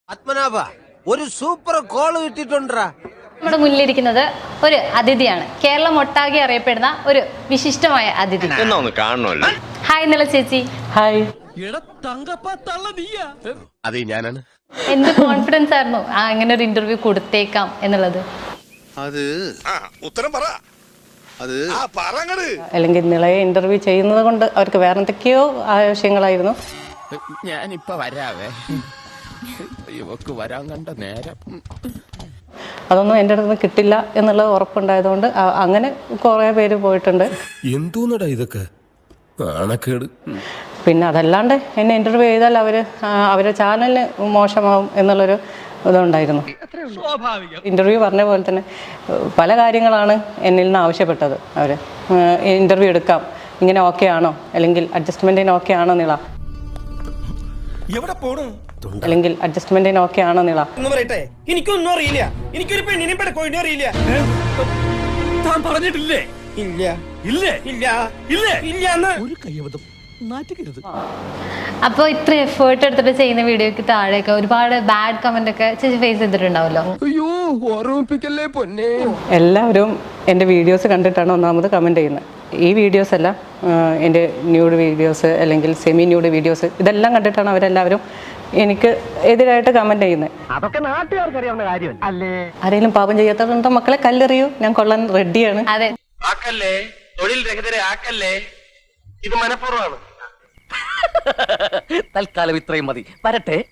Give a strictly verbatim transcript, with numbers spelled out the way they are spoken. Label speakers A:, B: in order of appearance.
A: പത്മനാഭ ഒരു super call കിട്ടിട്ടുണ്ടാ.
B: നമ്മുടെ മുന്നിലിരിക്കുന്നത് ഒരു അതിഥിയാണ്. കേരളം ഒട്ടാകെ അറിയപ്പെടുന്ന ഒരു വിശിഷ്ടമായ അതിഥി. ഹായ് നില ചേച്ചി.
C: ഹായ്.
A: അതെ ഞാനാണ്.
B: എന്ത് കോൺഫിഡൻസ് ആയിരുന്നു ആ ഇങ്ങനെ ഒരു ഇന്റർവ്യൂ കൊടുത്തേക്കാം എന്നുള്ളത്?
D: അത് ഉത്തരം പറ. അത്
C: അല്ലെങ്കിൽ നിളയെ ഇന്റർവ്യൂ ചെയ്യുന്നത് കൊണ്ട് അവർക്ക് വേറെ എന്തൊക്കെയോ ആവശ്യങ്ങളായിരുന്നു.
E: ഞാനിപ്പ വരാവേ, ഇവക്ക് വരാൻ കണ്ട നേരം.
C: അതൊന്നും എൻ്റെ അടുത്ത് നിന്ന് കിട്ടില്ല എന്നുള്ളത് ഉറപ്പുണ്ടായതുകൊണ്ട് അങ്ങനെ കുറേ പേര് പോയിട്ടുണ്ട്.
F: എന്തോന്നടാ ഇതൊക്കെ ആണക്കേട്.
C: പിന്നെ അതല്ലാണ്ട് എന്നെ ഇന്റർവ്യൂ ചെയ്താൽ അവർ അവരുടെ ചാനലിന് മോശമാവും എന്നുള്ളൊരു ഇതുണ്ടായിരുന്നു. ഇന്റർവ്യൂ പറഞ്ഞ പോലെ തന്നെ പല കാര്യങ്ങളാണ് എന്നിൽ നിന്ന് ആവശ്യപ്പെട്ടത്. അവർ ഇന്റർവ്യൂ എടുക്കാം, ഇങ്ങനെ ഓക്കെ ആണോ, അല്ലെങ്കിൽ അഡ്ജസ്റ്റ്മെന്റിന് ഓക്കെ ആണോ നിള, അല്ലെങ്കിൽ അഡ്ജസ്റ്റ്മെന്റിന് ഓക്കെ ആണോ നിള.
G: എനിക്കൊന്നും അറിയില്ല, എനിക്കൊരു പെണ്ണിനെ പെടക്കോഴിനെ അറിയില്ല.
E: താൻ പറഞ്ഞിട്ടില്ലേ?
G: ഇല്ല
E: ഇല്ലേ?
G: ഇല്ല ഇല്ല ഇല്ല
E: ഒരു കയ്യബദ്ധം നാറ്റുകരുത്.
B: അപ്പോൾ ഇത്ര എഫേർട്ട് എടുത്തിട്ട് ചെയ്യുന്ന വീഡിയോക്ക് താഴെയൊക്കെ ഒരുപാട് ബാഡ് കമന്റ് ഒക്കെ ചേച്ചി ഫേസ് ചെയ്തിട്ടുണ്ടാവല്ലോ.
E: അയ്യോ ഓർമ്മിപ്പിക്കല്ലേ പൊന്നെ.
C: എല്ലാവരും എൻ്റെ വീഡിയോസ് കണ്ടിട്ടാണ് ഒന്നാമത് കമൻറ്റ് ചെയ്യുന്നത്. ഈ വീഡിയോസ് അല്ല, എൻ്റെ ന്യൂഡ് വീഡിയോസ് അല്ലെങ്കിൽ സെമി ന്യൂഡ് വീഡിയോസ്, ഇതെല്ലാം കണ്ടിട്ടാണ് അവരെല്ലാവരും എനിക്ക് എതിരായിട്ട് കമൻറ്റ് ചെയ്യുന്നത്.
G: അതൊക്കെ നാട്ടുകാർക്ക് അറിയാവുന്ന കാര്യം അല്ലേ?
C: ആരെങ്കിലും പാപം ചെയ്യാത്തതുണ്ടോ മക്കളെ കല്ലെറിയൂ, ഞാൻ കൊള്ളാൻ റെഡിയാണ്.
B: അതെ,
G: ആക്കല്ലേ, തൊഴിൽ രഹിതരെ ആക്കല്ലേ, ഇത് മനഃപൂർവ്വമാണ്.
H: തൽക്കാലം ഇത്രയും മതി. വരട്ടെ.